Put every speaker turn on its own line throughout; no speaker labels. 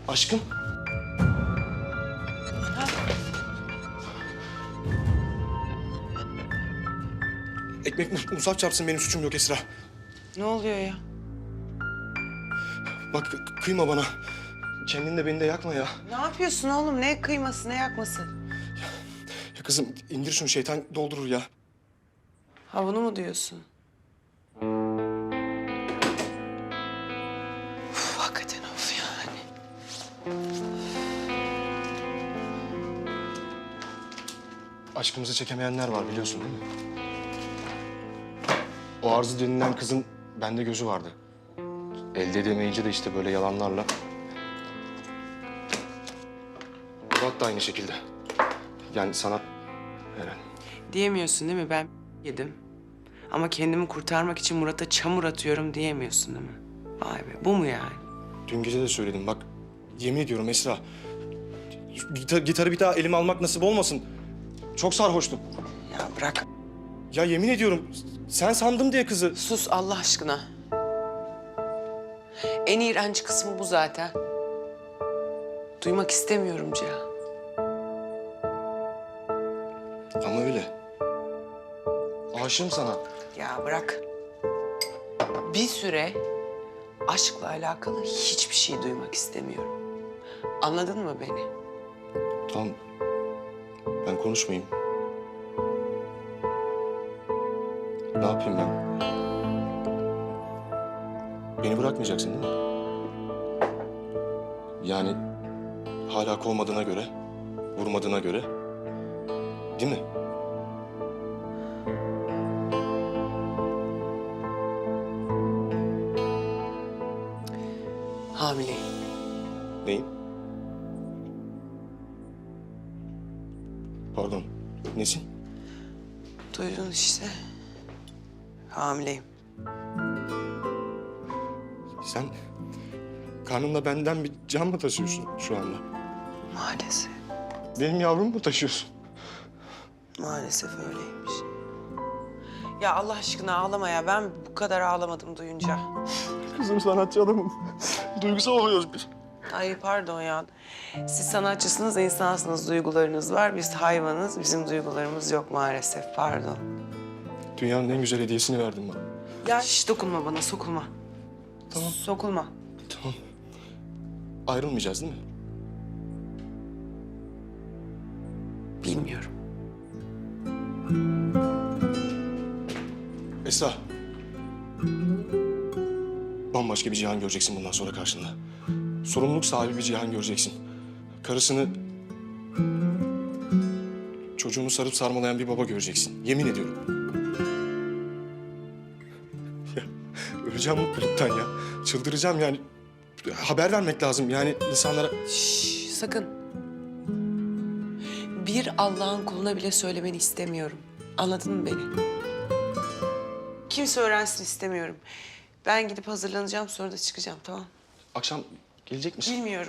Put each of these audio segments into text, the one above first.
Aşkım. Ekmek musaf çarpsın, benim suçum yok Esra.
Ne oluyor ya?
Bak kıyma bana. Kendini de beni de yakma ya.
Ne yapıyorsun oğlum? Ne kıyması, ne yakması?
Ya kızım indir şunu, şeytan doldurur ya.
Ha bunu mu diyorsun? Uf, hakikaten of yani.
Aşkımızı çekemeyenler var, biliyorsun değil mi? O Arzu denilen kızın bende gözü vardı. Elde edemeyince de işte böyle yalanlarla. Murat da aynı şekilde. Yani sanat Eren.
Diyemiyorsun değil mi? Ben yedim. Ama kendimi kurtarmak için Murat'a çamur atıyorum diyemiyorsun değil mi? Vay be, bu mu yani?
Dün gece de söyledim bak. Yemin ediyorum Esra. Gitarı bir daha elime almak nasip olmasın. Çok sarhoştum.
Ya bırak.
Ya yemin ediyorum sen sandım diye kızı.
Sus Allah aşkına. En iğrenç kısmı bu zaten. Duymak istemiyorum Cihan.
Ama öyle. Aşığım sana.
Ya bırak. Bir süre aşkla alakalı hiçbir şey duymak istemiyorum. Anladın mı beni?
Tamam. Ben konuşmayayım. Ne yapayım ben? Beni bırakmayacaksın değil mi? Yani hala kovmadığına göre, vurmadığına göre, değil mi?
Hamileyim.
Neyin? Pardon, nesin?
Duydun işte. Hamileyim.
Sen karnında benden bir can mı taşıyorsun şu anda?
Maalesef.
Benim yavrumu mu taşıyorsun?
Maalesef öyleymiş. Ya Allah aşkına ağlama ya. Ben bu kadar ağlamadım duyunca.
Kızım sanatçı adamım. Duygusal oluyoruz biz.
Ay pardon ya. Siz sanatçısınız, insansınız, duygularınız var. Biz hayvanız, bizim duygularımız yok maalesef. Pardon.
Dünyanın en güzel hediyesini verdin bana.
Ya hiç dokunma bana, sokulma.
Tamam.
Sokulma.
Tamam. Ayrılmayacağız değil mi?
Bilmiyorum.
Esra. Bambaşka bir Cihan göreceksin bundan sonra karşında. Sorumluluk sahibi bir Cihan göreceksin. Karısını, çocuğunu sarıp sarmalayan bir baba göreceksin. Yemin ediyorum. Ya, öleceğim mutluluktan ya. Çıldıracağım yani. Haber vermek lazım yani insanlara.
Şşş, sakın. Bir Allah'ın kuluna bile söylemeni istemiyorum. Anladın mı beni? Kimse öğrensin istemiyorum. Ben gidip hazırlanacağım, sonra da çıkacağım, tamam?
Akşam gelecek misin?
Bilmiyorum.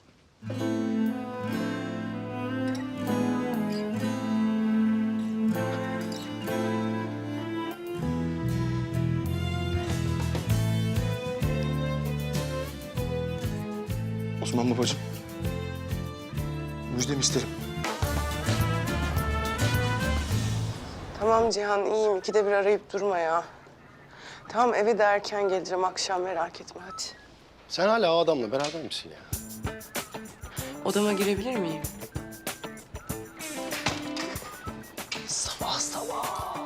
Osman babacığım. Müjdemi isterim.
Tamam Cihan, iyiyim. İkide bir arayıp durma ya. Tamam, eve de erken geleceğim. Akşam merak etme, hadi.
Sen hala o adamla beraber misin ya?
Odama girebilir miyim? Sabah sabah.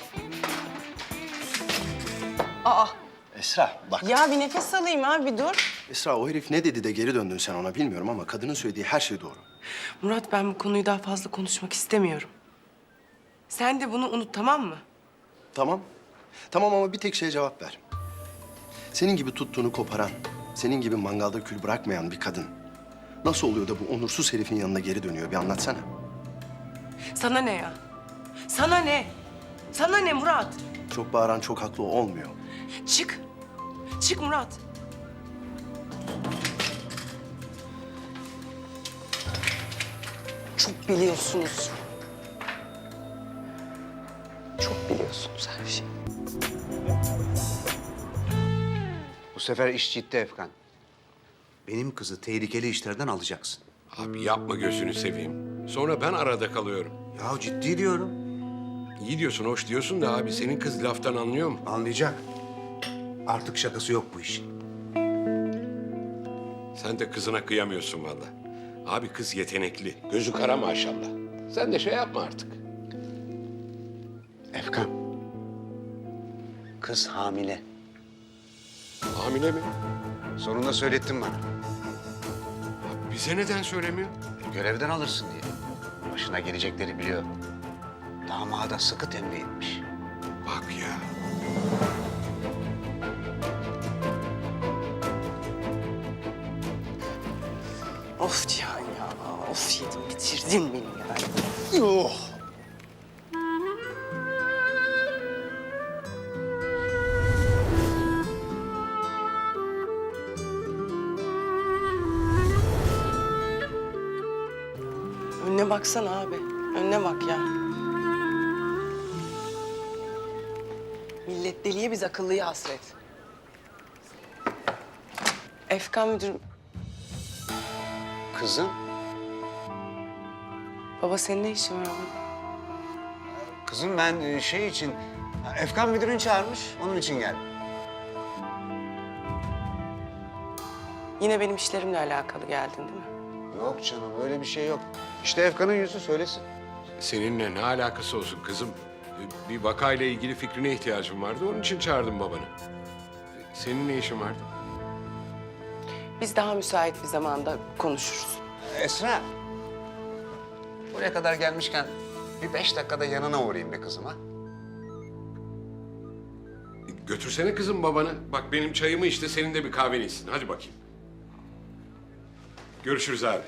Aa,
Esra bak.
ya bir nefes alayım abi, bir dur.
Esra o herif ne dedi de geri döndün sen ona bilmiyorum ama kadının söylediği her şey doğru.
Murat, ben bu konuyu daha fazla konuşmak istemiyorum. Sen de bunu unut, tamam mı?
Tamam. Tamam ama bir tek şeye cevap ver. Senin gibi tuttuğunu koparan, senin gibi mangalda kül bırakmayan bir kadın nasıl oluyor da bu onursuz herifin yanına geri dönüyor? Bir anlatsana.
Sana ne ya? Sana ne? Sana ne Murat?
Çok bağıran çok haklı olmuyor.
Çık. Çık Murat. Çok biliyorsunuz. Çok biliyorsunuz her şeyi.
Bu sefer iş ciddi Efkan. benim kızı tehlikeli işlerden alacaksın.
Abi yapma gözünü seveyim. Sonra ben arada kalıyorum.
Ya ciddi diyorum.
İyi diyorsun, hoş diyorsun da abi senin kız laftan anlıyor mu?
Anlayacak. Artık şakası yok bu işin.
Sen de kızına kıyamıyorsun vallahi. Abi kız yetenekli. Gözü kara maşallah. Sen de şey yapma artık.
Efkan. Kız hamile.
Hamile mi?
Sonunda söylettin bana.
Abi bize neden söylemiyor?
Görevden alırsın diye. Başına gelecekleri biliyor. Damada sıkı tembih etmiş.
Bak ya.
Of Cihan ya. Of yedim bitirdin beni yani. Önüne baksana abi. Önüne bak ya. Millet deliye biz akıllıya hasret. Efkan müdürüm.
Kızım,
Baba senin ne işin var burada?
kızım ben şey için... Efkan müdürün çağırmış, onun için geldim.
Yine benim işlerimle alakalı geldin değil mi?
Yok canım, öyle bir şey yok. İşte Efkan'ın yüzü söylesin.
Seninle ne alakası olsun kızım? Bir vakayla ilgili fikrine ihtiyacım vardı. Onun için çağırdım babanı. Senin ne işin vardı?
Biz daha müsait bir zamanda konuşuruz.
Esra, buraya kadar gelmişken bir 5 dakikada yanına uğrayayım be kızım ha.
Götürsene kızım babanı. Bak benim çayımı içti, senin de bir kahveni içsin. Hadi bakayım. Görüşürüz abi.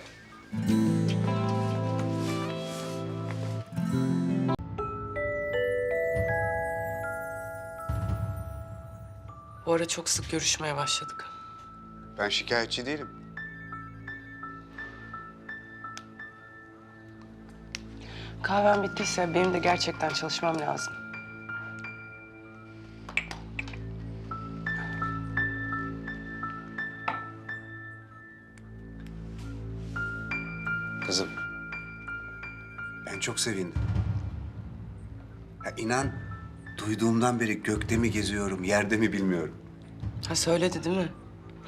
Bu ara çok sık görüşmeye başladık.
Ben şikayetçi değilim.
Kahven bittiyse benim de gerçekten çalışmam lazım.
Kızım, ben çok sevindim. Ya inan, duyduğumdan beri gökte mi geziyorum, yerde mi bilmiyorum.
Ha söyledi değil mi?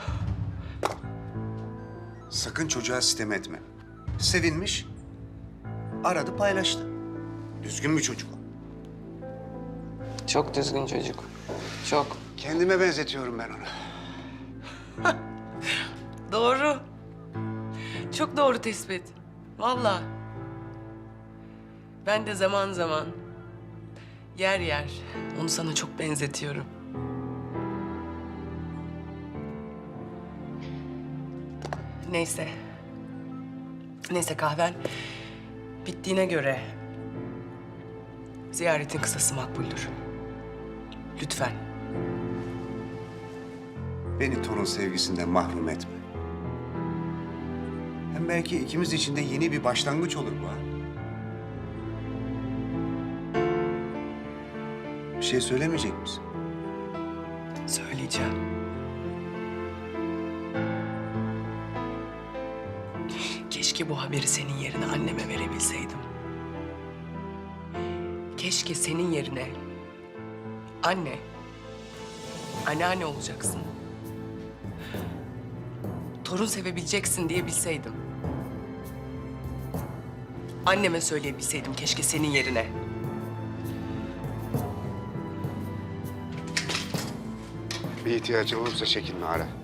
Sakın çocuğa sitem etme. Sevinmiş, aradı paylaştı. Düzgün bir çocuk o.
Çok düzgün çocuk. Çok.
Kendime benzetiyorum ben onu.
Doğru. Çok doğru tespit. Vallahi. Ben de zaman zaman yer yer onu sana çok benzetiyorum. Neyse. Neyse kahven bittiğine göre ziyaretin kısası makbuldür. Lütfen.
Beni torun sevgisinden mahrum etme. Hem belki ikimiz için de yeni bir başlangıç olur bu ha. Bir şey söylemeyecek misin?
Söyleyeceğim. Keşke bu haberi senin yerine anneme verebilseydim. Keşke senin yerine anneanne olacaksın. Torun sevebileceksin diye bilseydim. Anneme söyleyebilseydim keşke senin yerine.
Bir ihtiyacın olursa çekinme ara.